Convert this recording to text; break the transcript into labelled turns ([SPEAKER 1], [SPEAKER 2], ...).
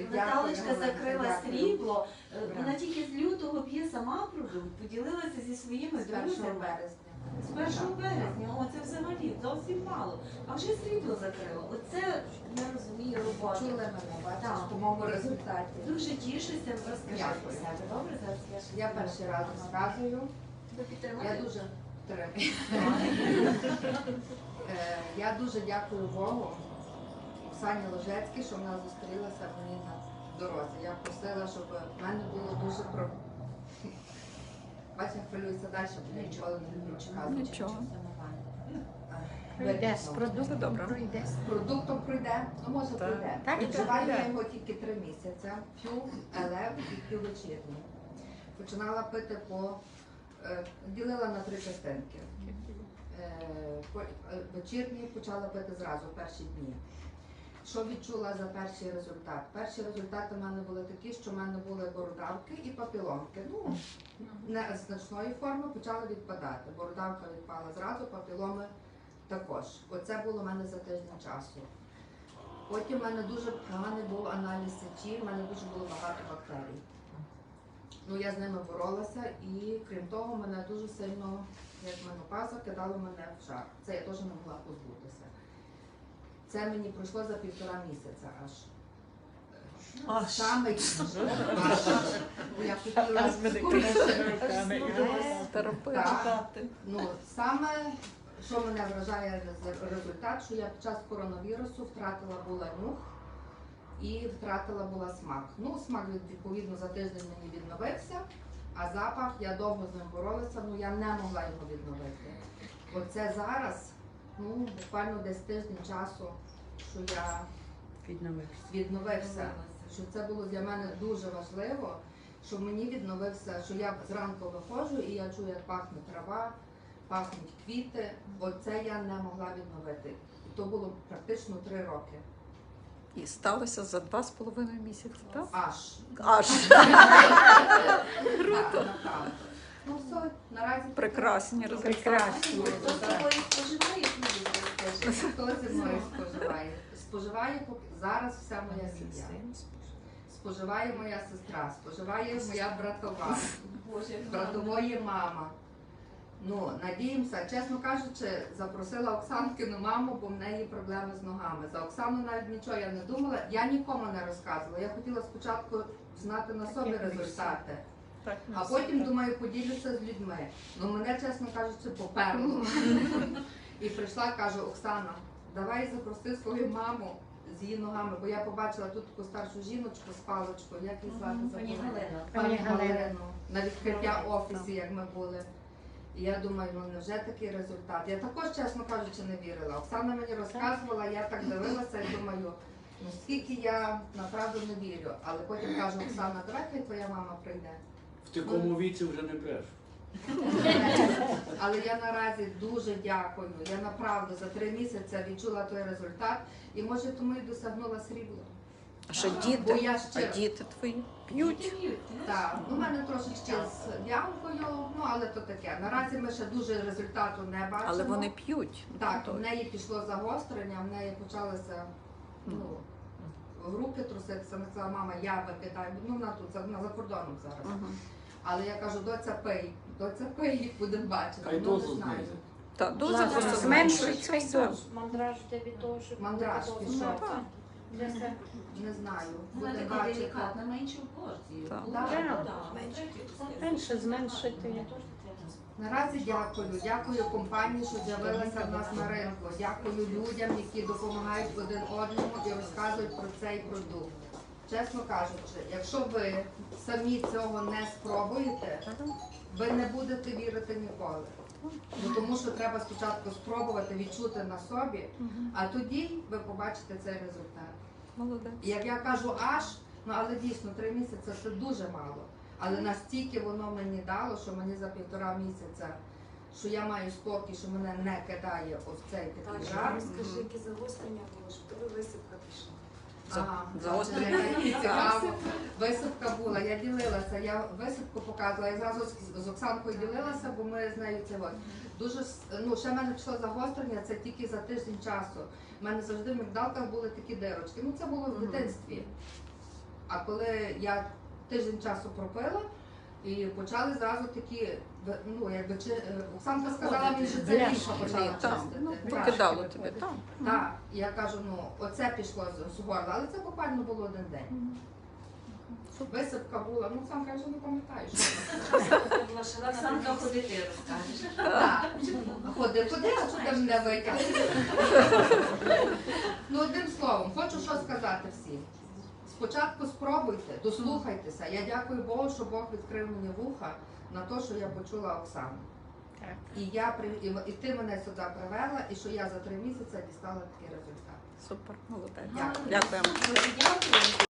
[SPEAKER 1] Наталочка закрила срібло. Вона тільки з лютого п'є сама продукт, поділилася зі своїми
[SPEAKER 2] З 1
[SPEAKER 1] друзями.
[SPEAKER 2] березня.
[SPEAKER 1] З 1 березня, о, це взагалі зовсім мало. А вже срібло закрило. Оце, я розумію, робота.
[SPEAKER 2] Чули мене, бачиш,
[SPEAKER 1] Так.
[SPEAKER 2] по моєму результаті.
[SPEAKER 1] Дуже тішуся, розкажи
[SPEAKER 2] Дякую.
[SPEAKER 1] про себе. Добре, зараз
[SPEAKER 2] Я перший раз розказую.
[SPEAKER 1] Ви підтримуєте?
[SPEAKER 2] Я дуже підтримую. Я дуже дякую Богу, Оксані Ложецькій, що вона зустрілася мені на дорозі. Я просила, щоб в мене було дуже про... Бачите, хвилююся далі, бо я ніколи не хочу казати.
[SPEAKER 3] Нічого.
[SPEAKER 4] Пройде, з продуктом пройде.
[SPEAKER 2] З продуктом пройде, ну може
[SPEAKER 3] Так.
[SPEAKER 2] пройде.
[SPEAKER 4] Так,
[SPEAKER 2] Відчуваю
[SPEAKER 4] так.
[SPEAKER 2] я його тільки 3 місяці. П'ю елев і п'ю вечірній. Починала пити ділила на 3 частинки. Вечірній почала пити зразу, перші дні. Що відчула за перший результат? Перші результати в мене були такі, що в мене були бородавки і папіломки. Ну, не значної форми почали відпадати. Бородавка відпала зразу, папіломи також. Оце було в мене за тиждень часу. Потім в мене дуже поганий був аналіз сечі, в мене дуже було багато бактерій. Ну, я з ними боролася і, крім того, мене дуже сильно, як менопауза, кидало мене в жар. Це я теж не могла позбутися. Це мені пройшло за 1,5 місяця аж. Саме я хотіла саме, що мене вражає результат, що я під час коронавірусу втратила була нюх і втратила була смак. Ну, смак відповідно за тиждень мені відновився, а запах, я довго з ним боролася, ну я не могла його відновити. Оце зараз, ну буквально десь тиждень часу, що я відновився. Що це було для мене дуже важливо, щоб мені відновився, що я зранку виходжу і я чую, як пахне трава, пахнуть квіти. Оце я не могла відновити. І то було практично 3 роки.
[SPEAKER 3] І сталося за 2,5 місяці, так?
[SPEAKER 2] Аж.
[SPEAKER 3] Круто.
[SPEAKER 2] Так. Ну все, наразі
[SPEAKER 3] Прекрасні результати.
[SPEAKER 4] Прекрасно.
[SPEAKER 1] Хто з тобою споживає, скажи.
[SPEAKER 2] хто зі мною споживає? Споживає зараз вся моя сім'я. Споживає моя сестра, споживає моя братова,
[SPEAKER 1] Боже,
[SPEAKER 2] братової мама. Ну, надіємося, чесно кажучи, запросила Оксанкину маму, бо в неї проблеми з ногами. За Оксану навіть нічого я не думала, я нікому не розказувала. Я хотіла спочатку знати на собі результати, а потім, думаю, поділюся з людьми. Ну, мене, чесно кажучи, поперло. І прийшла, кажу, Оксана, давай запроси свою маму з її ногами, бо я побачила тут таку старшу жіночку з паличкою, як її звати?
[SPEAKER 1] Пані Галина.
[SPEAKER 2] Пані Галину, на відкриття офісі, як ми були. І я думаю, ну невже такий результат? Я також, чесно кажучи, не вірила. Оксана мені розказувала, я так дивилася і думаю, ну скільки я направду не вірю. Але потім кажу, Оксана, давай хай твоя мама прийде.
[SPEAKER 5] В такому віці вже не бреш.
[SPEAKER 2] Але я наразі дуже дякую. Я направду за 3 місяці відчула той результат і може тому і досягнула срібла.
[SPEAKER 3] А що
[SPEAKER 2] Бо
[SPEAKER 3] діти?
[SPEAKER 2] я
[SPEAKER 3] А
[SPEAKER 2] ще
[SPEAKER 3] діти твої п'ють?
[SPEAKER 2] так, ну, у мене трошечки з ямкою, ну але то таке. Наразі ми ще дуже результату не бачимо.
[SPEAKER 3] Але вони п'ють.
[SPEAKER 2] Так, в неї пішло загострення, в неї почалося в руки труситися. Вона сказала, мама, я викидаю. Ну, вона тут, вона за кордоном зараз. Але я кажу, доця пий, будемо бачити.
[SPEAKER 5] Хай
[SPEAKER 2] Ну, не
[SPEAKER 5] дозу
[SPEAKER 2] знаю.
[SPEAKER 5] знизить.
[SPEAKER 3] Так, дуже
[SPEAKER 4] Ладно,
[SPEAKER 3] просто
[SPEAKER 4] зменшується
[SPEAKER 3] зменшується
[SPEAKER 4] і
[SPEAKER 3] все.
[SPEAKER 4] дозу.
[SPEAKER 6] Мандраж тобі теж.
[SPEAKER 2] Мандраж пішов.
[SPEAKER 6] Для себе.
[SPEAKER 2] Не знаю,
[SPEAKER 1] Вона
[SPEAKER 2] будемо
[SPEAKER 1] така
[SPEAKER 2] бачити.
[SPEAKER 1] делікатна, меншу порцію.
[SPEAKER 3] Так.
[SPEAKER 4] Менше зменшити.
[SPEAKER 2] Наразі дякую компанії, що з'явилася в нас на ринку. Дякую людям, які допомагають один одному і розказують про цей продукт. Чесно кажучи, якщо ви самі цього не спробуєте, ви не будете вірити ніколи. Бо тому що треба спочатку спробувати відчути на собі, а тоді ви побачите цей результат.
[SPEAKER 3] Молодець.
[SPEAKER 2] І як я кажу ну але дійсно 3 місяці це дуже мало. Але настільки воно мені дало, що мені за 1,5 місяця, що я маю спокій, що мене не кидає ось цей такий жар.
[SPEAKER 7] Скажи, які загострення було, що тобі висипка пішла.
[SPEAKER 3] Загострення.
[SPEAKER 2] Цікаво. Висипка була, я ділилася, я висипку показувала, я зразу з Оксанкою ділилася, бо ми з нею це дуже, ну ще в мене пішло загострення, це тільки за тиждень часу. У мене завжди в мигдалках були такі дирочки, ну це було в дитинстві. А коли я тиждень часу пропила, і почали зразу такі, ну якби Оксанка сказала мені, що це ліжко почала
[SPEAKER 3] Так,
[SPEAKER 2] чистити.
[SPEAKER 3] ну,
[SPEAKER 2] Так.
[SPEAKER 3] покидало тебе, так.
[SPEAKER 2] Так, я кажу, ну оце пішло з горла, але це буквально було один день. Висипка була, ну сам каже, не пам'ятаю, що
[SPEAKER 7] Це була шалена
[SPEAKER 1] Оксанка, ходи ти розкажеш.
[SPEAKER 2] так. Ходи, а що ти мене витягнеш? Ну, одним словом, хочу що сказати всім. Спочатку спробуйте, дослухайтеся. Я дякую Богу, що Бог відкрив мені вуха на те, що я почула Оксану.
[SPEAKER 4] Так.
[SPEAKER 2] І ти мене сюди привела, і що я за 3 місяці дістала такий результат.
[SPEAKER 3] Супер, молодець.
[SPEAKER 2] Дякую.
[SPEAKER 3] Дякуємо.
[SPEAKER 1] Дуже дякую.